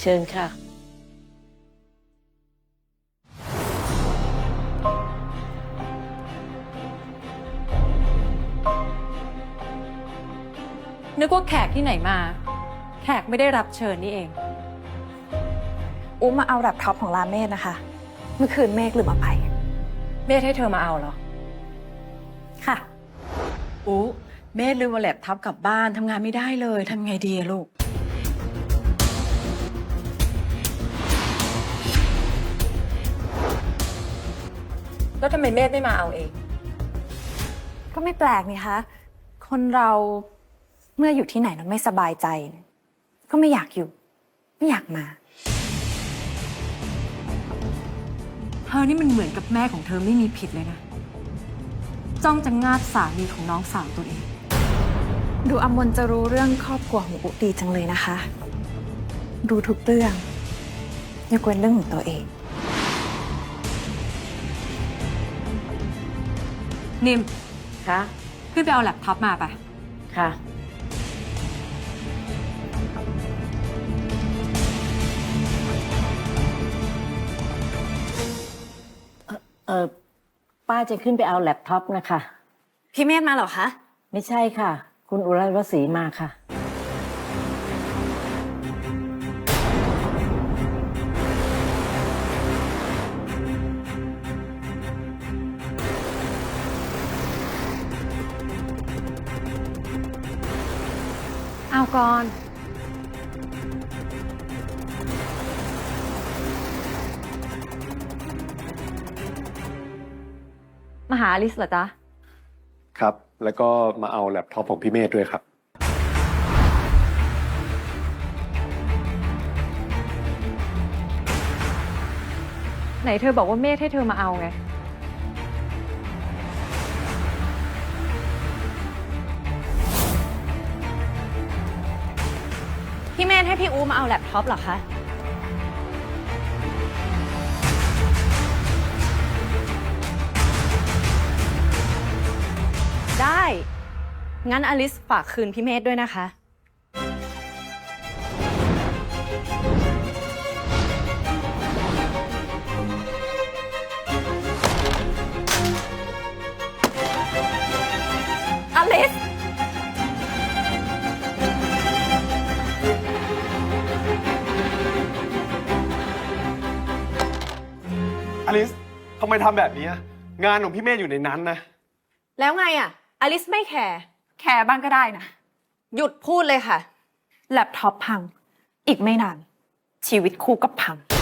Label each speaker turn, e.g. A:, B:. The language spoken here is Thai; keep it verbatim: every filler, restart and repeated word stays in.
A: เชิญค่ะ
B: นึกว่าแขกที่ไหนมา แขกไม่ได้รับเชิญนี่เอง
C: อุ๊มาเอาแล็ปท็อปของลาเมธนะคะ เมื่อคืนเมฆลืมเอาไป
B: เมธให้เธอมาเอาเหรอ
C: ค่ะ
B: อู้เมธลืมเอาแล็ปท็อปกลับบ้านทำงานไม่ได้เลยทำไงดีลูกแล้วทำไมเมธไม่มาเอาเอง
C: ก็ไม่แปลกนี่คะคนเราเมื่ออยู่ที่ไหนแล้วไม่สบายใจ ก็ไม่อยากอยู่ ไม่อยากมา
B: เธอนี่มันเหมือนกับแม่ของเธอไม่มีผิดเลยนะจ้องจะงาบสามีของน้องสาวตัวเอง
C: ดูอมนจะรู้เรื่องครอบครัวของอุดีจังเลยนะคะรู้ทุกเรื่องยกเว้นเรื่องของตัวเอง
B: นิม
A: ค่ะ
B: ขึ้นไปเอาแล็ปท็อปมาไป
A: ค่ะเออป้าจะขึ้นไปเอาแล็ปท็อปนะคะ
C: พี่เมธมาเหรอคะ
A: ไม่ใช่ค่ะคุณอุไรวศรีมาค่ะ
B: เอาก่อนมาหาอลิสเหรอจ๊ะ
D: ครับแล้วก็มาเอาแล็ปท็อปของพี่เมธด้วยครับ
B: ไหนเธอบอกว่าเมธให้เธอมาเอาไง
C: พี่เมธให้พี่อูมาเอาแล็ปท็อปเหรอคะได้งั้นอลิสฝากคืนพี่เมธด้วยนะคะอลิส
D: อลิสทำไมทำแบบนี้งานของพี่เมธอยู่ในนั้นนะ
C: แล้วไงอ่ะอลิสไม่แคร์แคร์บ้างก็ได้นะหยุดพูดเลยค่ะแล็ปท็อปพังอีกไม่นานชีวิตคู่ก็พัง